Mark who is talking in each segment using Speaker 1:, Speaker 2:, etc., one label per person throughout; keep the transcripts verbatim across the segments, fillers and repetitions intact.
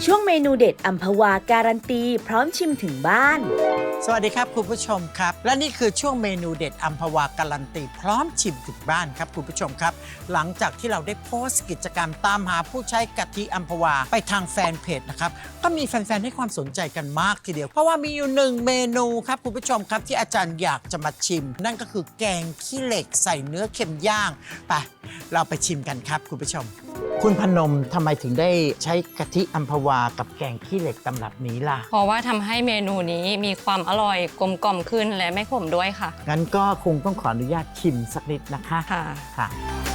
Speaker 1: ช่วงเมนูเด็ดอัมพวาการันตีพร้อมชิมถึงบ้าน
Speaker 2: สวัสดีครับคุณผู้ชมครับและนี่คือช่วงเมนูเด็ดอัมพวาการันตีพร้อมชิมถึงบ้านครับคุณผู้ชมครับหลังจากที่เราได้โพสต์กิจกรรมตามหาผู้ใช้กะทิอัมพวาไปทางแฟนเพจนะครับก็มีแฟนๆให้ความสนใจกันมากทีเดียวเพราะว่ามีอยู่หนึ่งเมนูครับคุณผู้ชมครับที่อาจารย์อยากจะมาชิมนั่นก็คือแกงขี้เหล็กใส่เนื้อเค็มย่างไปเราไปชิมกันครับคุณผู้ชมคุณพนมทำไมถึงได้ใช้กะทิอัมพวากับแกงขี้เหล็กตำรับนี้ล่ะ
Speaker 3: เพราะว่าทำให้เมนูนี้มีความอร่อยกลมกล่อมขึ้นและไม่ขมด้วยค่ะ
Speaker 2: งั้นก็คงต้องขออนุญาตชิมสักนิดนะคะ
Speaker 3: ค่ะ
Speaker 2: ค่ะ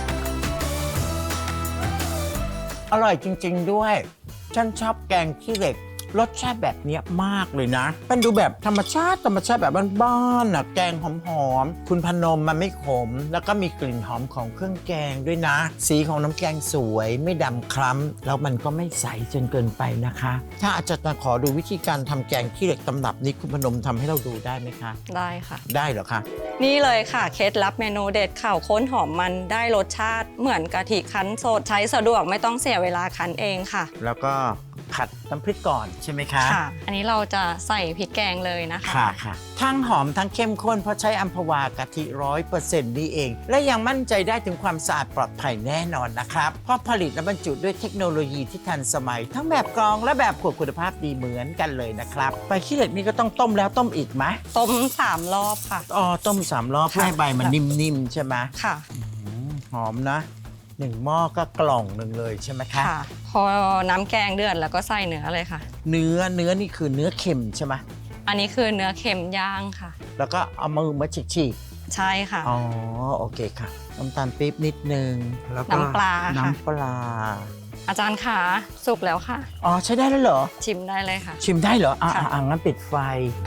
Speaker 2: อร่อยจริงๆด้วยฉันชอบแกงขี้เหล็กรสชาติแบบนี้มากเลยนะเป็นดูแบบธรรมชาติธรรมชาติแบบบ้านๆน่ะแกงหอมๆคุณพนมมันไม่ขมแล้วก็มีกลิ่นหอมของเครื่องแกงด้วยนะสีของน้ำแกงสวยไม่ดำคล้ำแล้วมันก็ไม่ใสจนเกินไปนะคะถ้าอาจารย์ขอดูวิธีการทำแกงขี้เหล็กตำรับนี้คุณพนมทำให้เราดูได้ไหมคะ
Speaker 3: ได้ค่ะ
Speaker 2: ได้เหรอคะ
Speaker 3: นี่เลยค่ะเคล็ดลับเมนูเด็ดข่าวข้นหอมมันได้รสชาติเหมือนกะทิคั้นสดใช้สะดวกไม่ต้องเสียเวลาคั้นเองค่ะ
Speaker 2: แล้วก็ผัดน้ำพริกก่อนใช่ไหมคะ
Speaker 3: ค่ะอันนี้เราจะใส่พริกแกงเลยนะคะ
Speaker 2: ค่ะค่ะทั้งหอมทั้งเข้มข้นเพราะใช้อัมพวากะทิร้อยเปอร์เซ็นต์นี่เองและยังมั่นใจได้ถึงความสะอาดปลอดภัยแน่นอนนะครับเพราะผลิตและบรรจุด้วยเทคโนโลยีที่ทันสมัยทั้งแบบกรองและแบบขวดคุณภาพดีเหมือนกันเลยนะครับใบขี้เหล็กนี่ก็ต้องต้มแล้วต้มอีกไหม
Speaker 3: ต้มสามรอบค่ะ
Speaker 2: อ๋อต้มสามรอบเพื่อให้ใบมันนิ่มๆใช่ไหม
Speaker 3: ค่ะ
Speaker 2: หอมนะหนึ่งหม้อก็กล่องหนึ่งเลยใช่ไหมคะ
Speaker 3: ค่ะพอน้ำแกงเดือดแล้วก็ใส่เนื้อเลยค่ะ
Speaker 2: เนื้อเนื้อนี่คือเนื้อเค็มใช่ไหม
Speaker 3: อันนี้คือเนื้อเค็มย่างค่ะ
Speaker 2: แล้วก็เอามือมาฉีก
Speaker 3: ๆใช่ค่ะ
Speaker 2: อ๋อโอเคค่ะน้ำตาลปี๊บนิดนึงแล้วก็
Speaker 3: น้ำปลา
Speaker 2: น้ำปลา
Speaker 3: อาจารย์ขาสุกแล้วค่ะ
Speaker 2: อ๋อใช้ได้แล้วเหรอ
Speaker 3: ชิมได้เลยค่ะ
Speaker 2: ชิมได้เหรออ่ะอ่ะงั้นปิดไฟ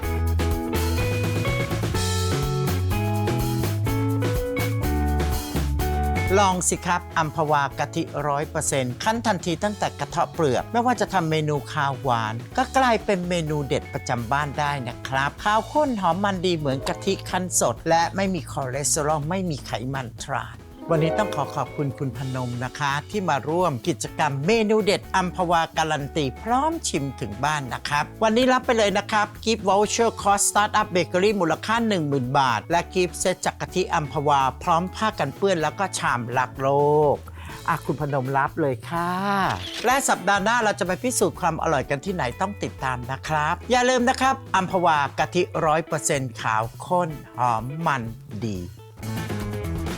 Speaker 2: ลองสิครับอัมพวากะทิร้อยเปอร์เซ็นต์คั้นทันทีตั้งแต่กระเทาะเปลือกไม่ว่าจะทำเมนูคาวหวานก็กลายเป็นเมนูเด็ดประจำบ้านได้นะครับข้าวข้นหอมมันดีเหมือนกะทิคั้นสดและไม่มีคอเลสเตอรอลไม่มีไขมันทรานวันนี้ต้องขอขอบคุณคุณพนมนะคะที่มาร่วมกิจกรรมเมนูเด็ดอัมพวาการันตีพร้อมชิมถึงบ้านนะครับวันนี้รับไปเลยนะครับกิฟต์วอลเชอร์คอร์สสตาร์ทอัพเบเกอรี่มูลค่า หนึ่งหมื่น บาทและกิฟต์เซตจากกะทิอัมพวาพร้อมผ้ากันเปื้อนแล้วก็ชามรักโลกอ่ะคุณพนมรับเลยค่ะและสัปดาห์หน้าเราจะไปพิสูจน์ความอร่อยกันที่ไหนต้องติดตามนะครับอย่าลืมนะครับอัมพวากะทิร้อยเปอร์เซ็นต์ขาวข้นหอมมันดี